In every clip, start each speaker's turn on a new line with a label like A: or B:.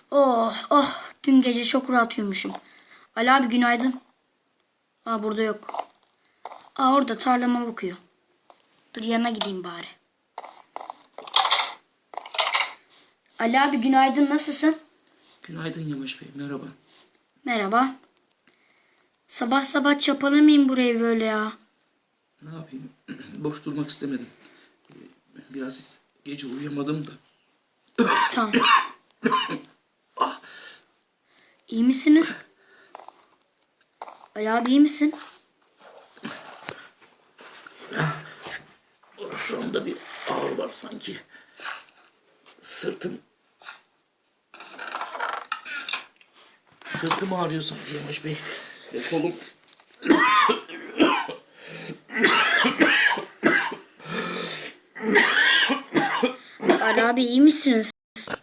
A: Oh oh, dün gece çok rahat uyumuşum. Ali abi günaydın. Aa, burada yok. Aa, orada tarlama bakıyor. Dur yanına gideyim bari. Ali abi günaydın, nasılsın?
B: Günaydın Yamaç Bey, merhaba.
A: Merhaba. Sabah sabah çapalamayayım burayı böyle ya.
B: Ne yapayım? Boş durmak istemedim. Biraz gece uyuyamadım da.
A: Tamam. İyi misiniz? Ali abi iyi misin?
B: Şuramda bir ağrı var sanki. Sırtım ağrıyor sanki Yamaç Bey. Ve kolum.
A: Ali abi iyi misiniz?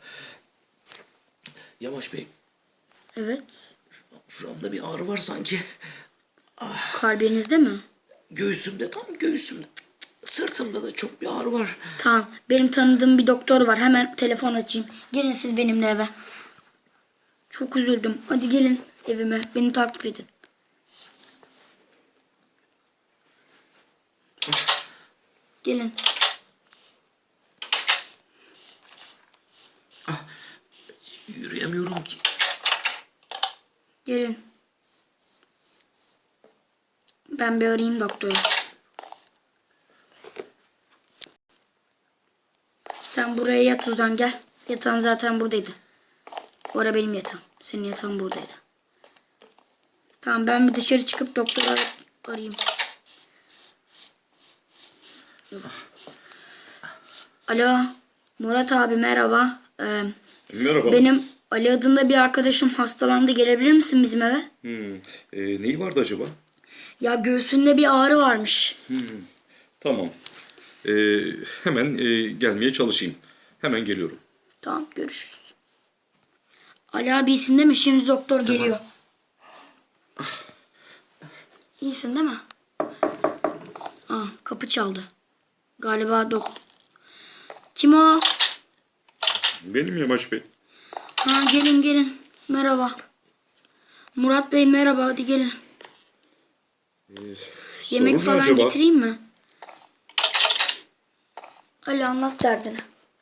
B: Yamaç Bey,
A: Evet.
B: şuramda bir ağrı var sanki.
A: Kalbinizde mi?
B: Göğsümde, tam göğsümde. Sırtımda da çok bir ağrı var.
A: Tamam. Benim tanıdığım bir doktor var. Hemen telefon açayım. Gelin siz benimle eve. Çok üzüldüm. Hadi gelin evime. Beni takip edin. Gelin.
B: Yürüyemiyorum ki.
A: Gelin. Ben bir arayayım doktoru. Sen buraya yat Uzan, gel. Yatağın zaten buradaydı. Bu ara benim yatağım. Senin yatağın buradaydı. Tamam, ben bir dışarı çıkıp doktoru arayayım. Alo. Murat abi merhaba.
C: Merhaba.
A: Benim Ali adında bir arkadaşım hastalandı. Gelebilir misin bizim eve?
C: Neyi vardı acaba?
A: Ya göğsünde bir ağrı varmış.
C: Tamam. Hemen gelmeye çalışayım. Hemen geliyorum.
A: Tamam, görüşürüz. Ali abi iyisin değil mi? Şimdi doktor geliyor. İyisin değil mi? Aa, kapı çaldı. Galiba doktor. Kim o?
C: Benim Yamaç Bey.
A: Ha, gelin gelin. Merhaba. Murat Bey merhaba, hadi gelin. Yemek
C: Sorun ne
A: falan
C: acaba?
A: getireyim mi? Ali anlat derdini.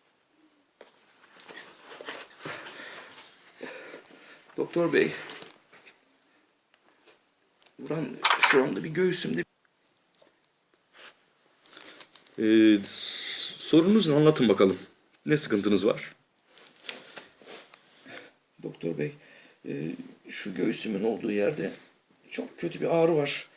B: Doktor Bey. Şuramda bir göğsümde.
C: Sorunuz ne, anlatın bakalım. Ne sıkıntınız var?
B: Doktor Bey, şu göğsümün olduğu yerde çok kötü bir ağrı var.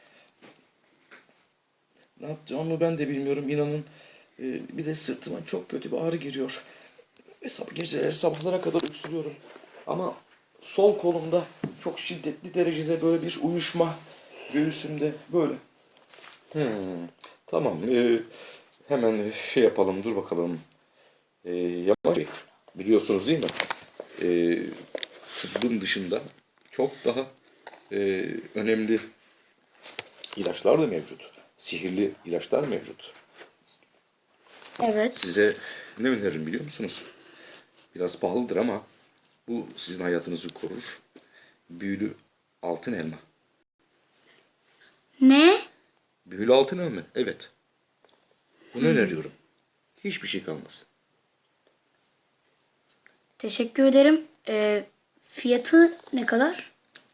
B: Ne yapacağımı ben de bilmiyorum, inanın. Bir de sırtıma çok kötü bir ağrı giriyor. Geceleri sabahlara kadar öksürüyorum. Ama sol kolumda çok şiddetli derecede böyle bir uyuşma, göğsümde böyle.
C: Tamam. Hemen şey yapalım. Dur bakalım. Yamaç Bey, biliyorsunuz değil mi? Tıbbın dışında çok daha önemli ilaçlar da mevcut. Sihirli ilaçlar mevcut.
A: Evet.
C: Size ne öneririm biliyor musunuz? Biraz pahalıdır ama bu sizin hayatınızı korur. Büyülü altın elma.
A: Ne?
C: Büyülü altın elma, evet. Bunu öneriyorum. Hiçbir şey kalmaz.
A: Teşekkür ederim. Fiyatı ne kadar?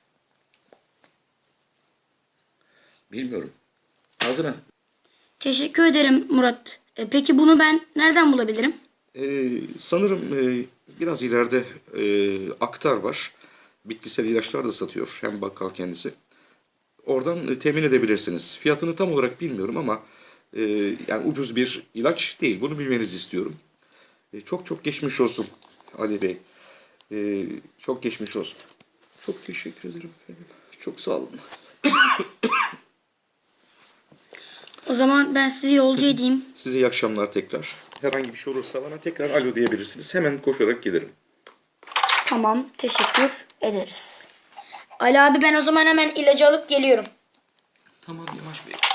C: Bilmiyorum. Haziran.
A: Teşekkür ederim Murat. Peki bunu ben nereden bulabilirim?
C: Sanırım biraz ileride Aktar var. Bitkisel ilaçlar da satıyor. Hem bakkal kendisi. Oradan temin edebilirsiniz. Fiyatını tam olarak bilmiyorum ama yani ucuz bir ilaç değil. Bunu bilmenizi istiyorum. Çok çok geçmiş olsun Ali Bey. Çok geçmiş olsun. Çok teşekkür ederim efendim. Çok sağ olun.
A: O zaman ben sizi yolcu edeyim.
C: Size iyi akşamlar tekrar. Herhangi bir şey olursa bana tekrar alo diyebilirsiniz. Hemen koşarak gelirim.
A: Tamam, teşekkür ederiz. Ali abi ben o zaman hemen ilacı alıp geliyorum.
B: Tamam Yamaç Bey.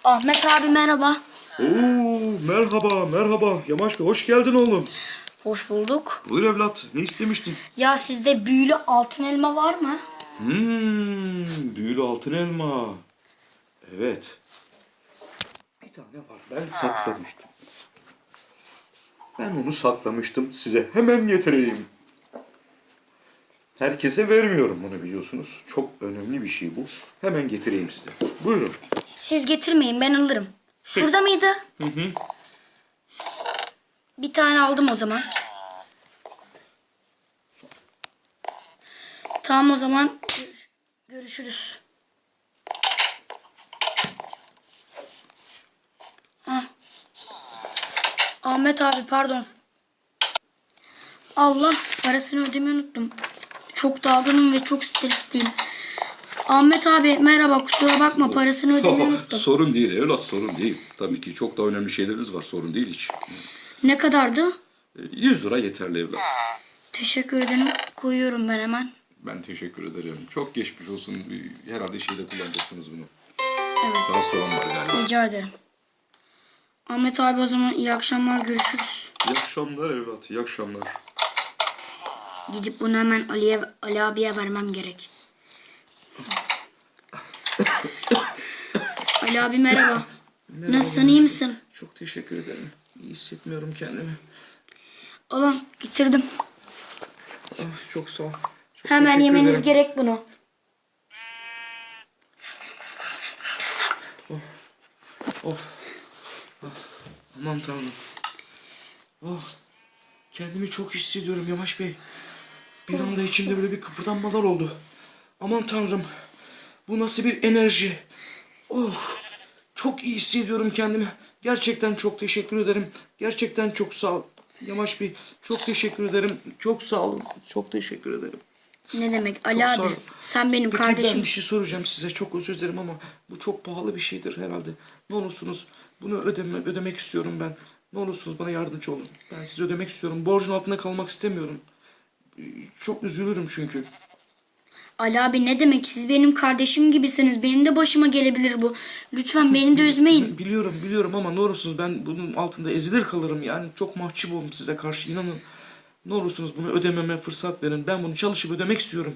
A: Ahmet abi merhaba.
C: Oo, merhaba, merhaba. Yamaç Bey, hoş geldin oğlum.
A: Hoş bulduk.
C: Buyur evlat, ne istemiştin?
A: Ya sizde büyülü altın elma var mı?
C: Büyülü altın elma. Evet. Bir tane var, ben saklamıştım. Ben onu saklamıştım, size hemen getireyim. Herkese vermiyorum bunu, biliyorsunuz. Çok önemli bir şey bu. Hemen getireyim size. Buyurun.
A: Siz getirmeyin, ben alırım. Şurada mıydı?
C: Hı hı.
A: Bir tane aldım o zaman. Tamam o zaman görüşürüz. Ah. Ahmet abi pardon. Allah, parasını ödemeyi unuttum. Çok dalgınım ve çok stresliyim. Ahmet abi merhaba, kusura bakma, parasını ödemeyi unuttum.
C: Sorun değil evlat, sorun değil. Tabii ki çok da önemli şeyleriniz var, sorun değil hiç.
A: Ne kadardı?
C: 100 lira yeterli evlat.
A: Teşekkür ederim. Koyuyorum ben hemen.
C: Ben teşekkür ederim. Çok geçmiş olsun. Herhalde şeyde kullanacaksınız bunu.
A: Evet.
C: Rahatsız olan var galiba.
A: Rica ederim. Ahmet abi o zaman iyi akşamlar, görüşürüz.
C: İyi akşamlar evlat, iyi akşamlar.
A: Gidip bunu hemen Ali abiye vermem gerek. Ali abi merhaba.
B: Merhaba,
A: Nasılsın, iyi misin?
B: Çok teşekkür ederim. İyi hissetmiyorum kendimi.
A: Oğlum getirdim.
B: Ah, çok sağ ol. Çok
A: Hemen
B: teşekkür
A: yemeniz
B: ederim.
A: gerek bunu.
B: Oh. Ah, aman tanrım. Oh. Kendimi çok hissediyorum Yamaç Bey. Bir anda içimde böyle bir kıpırdanmalar oldu. Aman tanrım. Bu nasıl bir enerji? Oh. Çok iyi hissediyorum kendimi. Gerçekten çok teşekkür ederim. Gerçekten çok sağ ol. Yamaç Bey, çok teşekkür ederim. Çok sağ olun. Çok teşekkür ederim.
A: Ne demek Ali
B: Çok sağ
A: abi?
B: ol.
A: Sen benim
B: Peki ben
A: kardeşim.
B: bir şey soracağım size. Çok özür dilerim ama bu çok pahalı bir şeydir herhalde. Ne olursunuz bunu ödemek istiyorum ben. Ne olursunuz bana yardımcı olun. Ben size ödemek istiyorum. Borcun altında kalmak istemiyorum. Çok üzülürüm çünkü.
A: Ali abi ne demek? Siz benim kardeşim gibisiniz. Benim de başıma gelebilir bu. Lütfen beni de üzmeyin.
B: Biliyorum ama ne olursunuz ben bunun altında ezilir kalırım. Yani çok mahcup oldum size karşı, inanın. Ne olursunuz bunu ödememe fırsat verin. Ben bunu çalışıp ödemek istiyorum.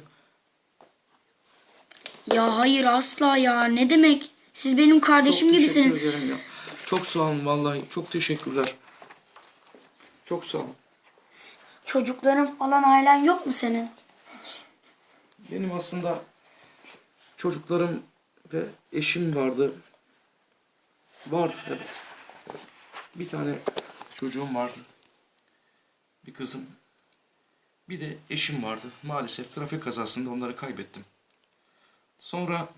A: Ya hayır, asla ya. Ne demek? Siz benim kardeşim
B: Çok
A: gibisiniz.
B: teşekkür ederim ya. Çok sağ olun vallahi. Çok teşekkürler. Çok sağ olun.
A: Çocukların falan, ailen yok mu senin?
B: Benim aslında çocuklarım ve eşim vardı. Vardı evet. Bir tane çocuğum vardı. Bir kızım. Bir de eşim vardı. Maalesef trafik kazasında onları kaybettim. Sonra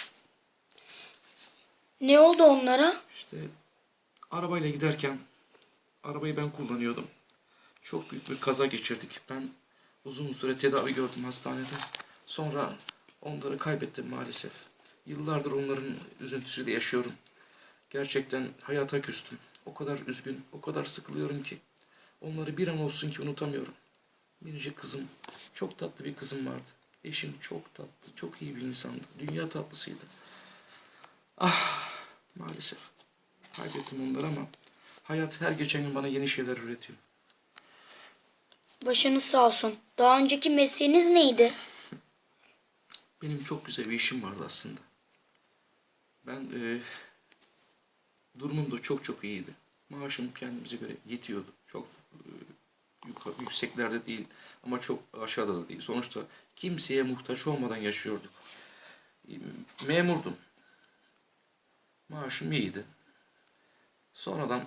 A: Ne oldu onlara?
B: işte arabayla giderken arabayı ben kullanıyordum. Çok büyük bir kaza geçirdik. Ben uzun süre tedavi gördüm hastanede. Sonra onları kaybettim maalesef. Yıllardır onların üzüntüsüyle yaşıyorum. Gerçekten hayata küstüm. O kadar üzgün, o kadar sıkılıyorum ki. Onları bir an olsun ki unutamıyorum. Minicik kızım, çok tatlı bir kızım vardı. Eşim çok tatlı, çok iyi bir insandı. Dünya tatlısıydı. Ah, maalesef. Kaybettim onları ama hayat her geçen gün bana yeni şeyler üretiyor.
A: Başınız sağ olsun. Daha önceki mesleğiniz neydi?
B: Benim çok güzel bir işim vardı aslında. Ben durumum da çok iyiydi. Maaşım kendimize göre yetiyordu. Çok yükseklerde değil ama çok aşağıda da değil. Sonuçta kimseye muhtaç olmadan yaşıyorduk. Memurdum. Maaşım iyiydi. Sonradan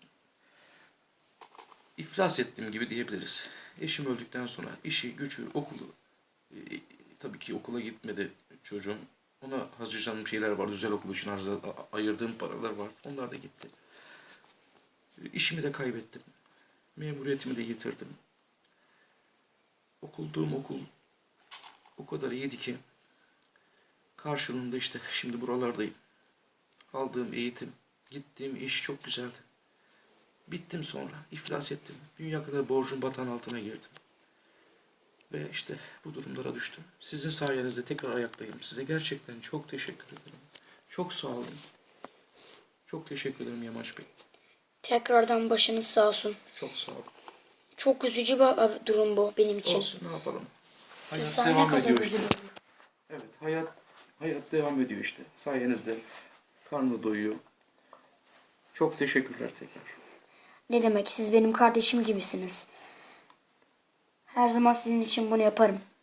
B: iflas ettiğim gibi diyebiliriz. Eşim öldükten sonra işi, gücü, okulu, tabii ki okula gitmedi çocuğum. Ona harcayacağım şeyler var. Özel okul için ayırdığım paralar var. Onlar da gitti. İşimi de kaybettim. Memuriyetimi de yitirdim. Okuduğum okul o kadar iyiydi ki karşılığında işte şimdi buralardayım. Aldığım eğitim, gittiğim iş çok güzeldi. Bittim sonra, iflas ettim. Dünya kadar borcun batağın altına girdim. Ve işte bu durumlara düştüm. Sizin sayenizde tekrar ayaktayım. Size gerçekten çok teşekkür ederim. Çok sağ olun.
C: Çok teşekkür ederim Yamaç Bey.
A: Tekrardan başınız sağ olsun.
C: Çok sağ olun.
A: Çok üzücü bir durum bu benim için.
C: Olsun, ne yapalım. Hayat
A: İnsan ne
C: devam
A: kadar
C: ediyor işte.
A: üzülür.
C: Evet, hayat devam ediyor işte. Sayenizde karnı doyuyor. Çok teşekkürler tekrar.
A: Ne demek, siz benim kardeşim gibisiniz. Her zaman sizin için bunu yaparım.